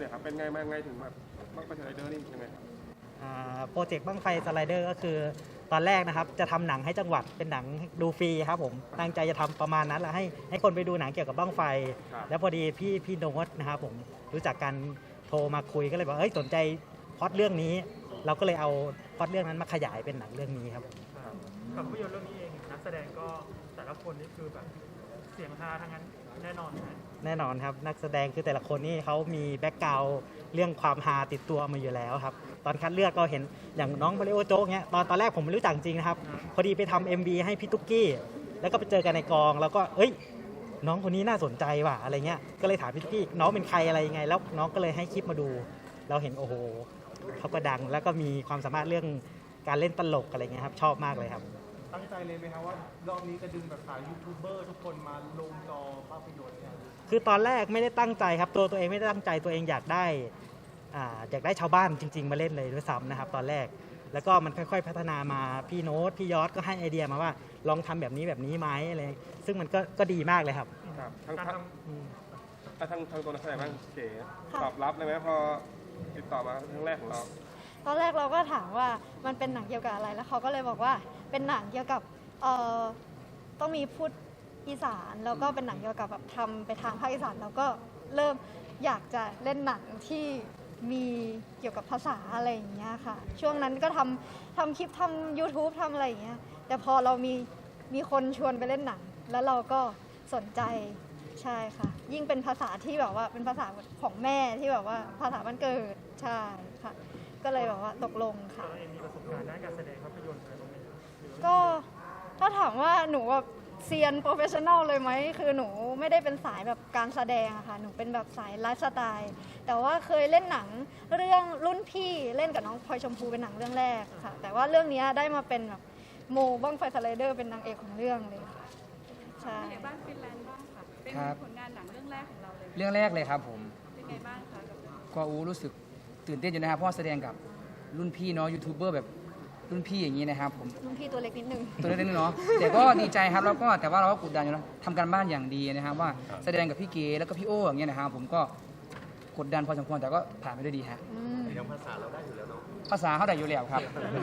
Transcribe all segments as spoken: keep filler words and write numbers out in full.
เนี่ยครับเป็นไงมาไงถึงแบบบั้งไฟสไลเดอร์นี่ยังไงครับโปรเจกต์บั้งไฟสไลเดอร์ก็คือตอนแรกนะครับจะทำหนังให้จังหวัดเป็นหนังดูฟรีครับผมตั้งใจจะทำประมาณนั้นแหละให้ให้คนไปดูหนังเกี่ยวกับบั้งไฟ แล้วพอดีพี่พี่โน้ตนะครับผมรู้จักกันโทรมาคุยก็เลยบอกเอ้ยสนใจพล็อตเรื่องนี้ เราก็เลยเอาพล็อตเรื่องนั้นมาขยายเป็นหนังเรื่องนี้ครับกับภาพยนตร์เรื่องนี้เองนักแสดงก็แต่ละคนนี่คือแบบเสียงฮาทั้งนั้นแน่นอนไหมแน่นอนครับนักแสดงคือแต่ละคนนี่เขามีแบ็กกราวด์เรื่องความฮาติดตัวมาอยู่แล้วครับตอนคัดเลือกก็เห็นอย่างน้องมาริโอโจ๊กเนี้ยตอนตอนแรกผมไม่รู้จักจริงนะครับพอดีไปทำ เอ็ม วี ให้พี่ตุ๊กกี้แล้วก็ไปเจอกันในกองแล้วก็เอ้ยน้องคนนี้น่าสนใจว่ะอะไรเงี้ยก็เลยถามพี่ตุ๊กกี้น้องเป็นใครอะไรยังไงแล้วน้องก็เลยให้คลิปมาดูเราเห็นโอ้โหเขาก็ดังแล้วก็มีความสามารถเรื่องการเล่นตลกอะไรเงี้ยครับชอบมากเลยครับตั้งใจเลยไหมครับว่ารอบนี้จะดึงแบบสายยูทูบเบอร์ทุกคนมาลงจอภาพยนตร์เนี่ยคือตอนแรกไม่ได้ตั้งใจครับตัวตัวเองไม่ได้ตั้งใจตัวเองอยากได้อ่าอยากได้ชาวบ้านจริงๆมาเล่นเลยด้วยซ้ำนะครับตอนแรกแล้วก็มันค่อยๆพัฒนามาพี่โน้ตพี่ยอดก็ให้ไอเดียมาว่าลองทำแบบนี้แบบนี้ไหมอะไรซึ่งมันก็ก็ดีมากเลยครับครับทั้งทั้งทั้งทั้งตัวนักแสดงบ้างเก๋ตอบรับเลยไหมพอติดต่อมาครั้งแรกของเราตอนแรกเราก็ถามว่ามันเป็นหนังเกี่ยวกับอะไรแล้วเขาก็เลยบอกว่าเป็นหนังเกี่ยวกับเอ่อต้องมีพูดอีสานแล้วก็เป็นหนังเกี่ยวกับแบบทำไปทางภาคอีสานแล้วก็เริ่มอยากจะเล่นหนังที่มีเกี่ยวกับภาษาอะไรอย่างเงี้ยค่ะช่วงนั้นก็ทำทำคลิปทำ ยูทูบ ทำอะไรอย่างเงี้ยแต่พอเรามีมีคนชวนไปเล่นหนังแล้วเราก็สนใจใช่ค่ะยิ่งเป็นภาษาที่แบบว่าเป็นภาษาของแม่ที่แบบว่าภาษาบ้านเกิดใช่ค่ะก็เลยแบบว่าตกลงค่ะตัวเองมีประสบการณ์ด้านการแสดงภาพยนตร์อะไรบ้างไหมก็ถ้าถามว่าหนูแบบเซียนโปรเฟชชั่นอลเลยไหมคือหนูไม่ได้เป็นสายแบบการแสดงอะค่ะหนูเป็นแบบสายไลฟ์สไตล์แต่ว่าเคยเล่นหนังเรื่องรุ่นพี่เล่นกับน้องพลอยชมพูเป็นหนังเรื่องแรกค่ะแต่ว่าเรื่องนี้ได้มาเป็นแบบโมบ้างไฟสไลเดอร์เป็นนางเอกของเรื่องเลยค่ะใช่บ้านฟินแลนด์บ้างค่ะเป็นผลงานหนังเรื่องแรกของเราเลยเรื่องแรกเลยครับผมเป็นไงบ้างคะก็อู้รู้สึกตื่นเต้นอยู่นะครับเพราะแสดงกับรุ่นพี่เนาะยูทูบเบอร์แบบรุ่นพี่อย่างนี้นะครับผมรุ่นพี่ตัวเล็กนิดนึงตัวเล็กนิดนึงเนาะแต่ก็ดีใจครับแล้วก็แต่ว่าเราก็กดดันอยู่นะทำการบ้านอย่างดีนะครับว่าแสดงกับพี่เก๋แล้วก็พี่โอ้อย่างเงี้ยนะครับผมก็กดดันพอสมควรแต่ก็ผ่านไปด้วยดีฮะยังภาษาเราได้อยู่แล้วเนาะภาษาเขาได้อยู่แล้วครับ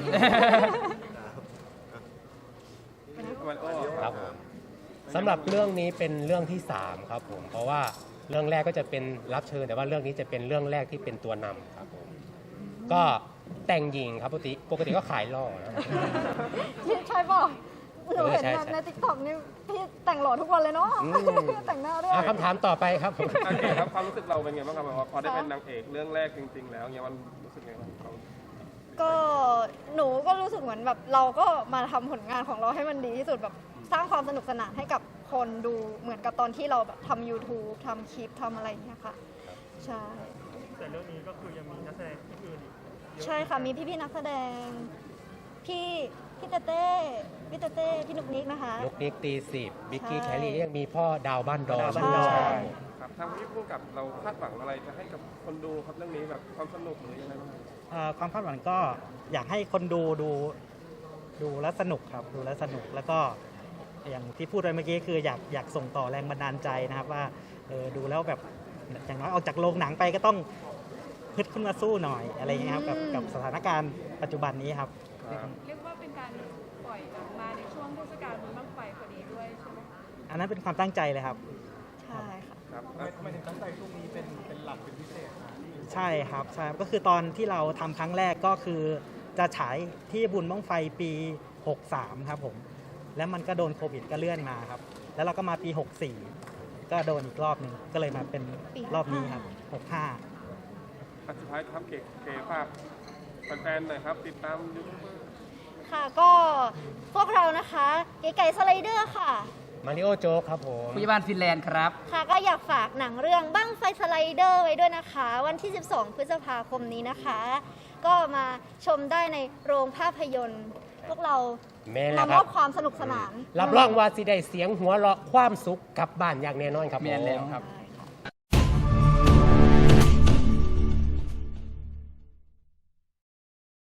ครับผมสำหรับเรื่องนี้เป็นเรื่องที่สามครับผมเพราะว่าเรื่องแรกก็จะเป็นรับเชิญแต่ว่าเรื่องนี้จะเป็นเรื่องแรกที่เป็นตัวนำครับผมก็แต่งหญิงครับปกติปกติก็ขายหล่อนะใช่ป่ะหนูเห็นในติ๊กต็อกนี่พี่แต่งหล่อทุกวันเลยเนาะแต่งหน้าด้วยคำถามต่อไปครับผมโอเคครับความรู้สึกเราเป็นไงบ้างครับพอได้เป็นนางเอกเรื่องแรกจริงๆแล้วเนี่ยมันรู้สึกไงบ้างก็หนูก็รู้สึกเหมือนแบบเราก็มาทำผลงานของเราให้มันดีที่สุดแบบสร้างความสนุกสนานให้กับคนดูเหมือนกับตอนที่เราแบบทำ ยูทูบ ทำคลิปทำอะไรอย่างเงี้ยค่ะใช่แต่เรื่องนี้ก็คือยังมีนักแสดงที่อื่นอีกใช่ค่ะมีพี่ๆนักแสดงพี่พี่เต้เต้พี่เต้เต้พี่นุกนิกนะคะนุกนิกตีสิบบิ๊กกี้แคลรี่ยังมีพ่อดาวบ้านดอนใช่ครับทางพี่พูดกับเราคาดหวังอะไรจะให้กับคนดูครับเรื่องนี้แบบความสนุกหรือยังไงบ้างความคาดหวังก็อยากให้คนดูดูดูแล้วสนุกครับดูแล้วสนุกแล้วก็อย่างที่พูดไปเมื่อกี้คืออยากอยากส่งต่อแรงบันดาลใจนะครับว่าเออดูแล้วแบบอย่างน้อยออกจากโรงหนังไปก็ต้องฮึดขึ้นมาสู้หน่อยอะไรอย่างเงี้ยครับกับกับสถานการณ์ปัจจุบันนี้ครับเรียกว่าเป็นการปล่อยหนังมาในช่วงเทศกาลบุญบั้งไฟพอดีด้วยใช่ไหมอันนั้นเป็นความตั้งใจเลยครับใช่ค่ะครับทำไมถึงตั้งใจช่วงนี้เป็นเป็นหลักเป็นพิเศษใช่ครับใช่ก็คือตอนที่เราทำครั้งแรกก็คือจะฉายที่บุญบั้งไฟปีหกสามครับผมแล้วมันก็โดนโควิดก็เลื่อนมาครับแล้วเราก็มาปีหกสี่ก็โดนอีกรอบหนึ่งก็เลยมาเป็นรอบนี้ครับหกห้าสุดท้ายครับเก๋เก๋ฝากแฟนๆหน่อยครับติดตามยูทูบค่ะก็พวกเรานะคะเก๋ไก่สไลเดอร์ค่ะมาริโอโจ๊กครับผมผู้ใหญ่บ้านฟินแลนด์ครับค่ะก็อยากฝากหนังเรื่องบั้งไฟสไลเดอร์ไว้ด้วยนะคะวันที่สิบสองพฤษภาคมนี้นะคะก็มาชมได้ในโรงภาพยนตร์พวกเรามามอบความสนุกสนานรับรองว่าสิได้เสียงหัวเราะความสุขกลับบ้านอย่างแน่นอนครับแม่นแล้วครับ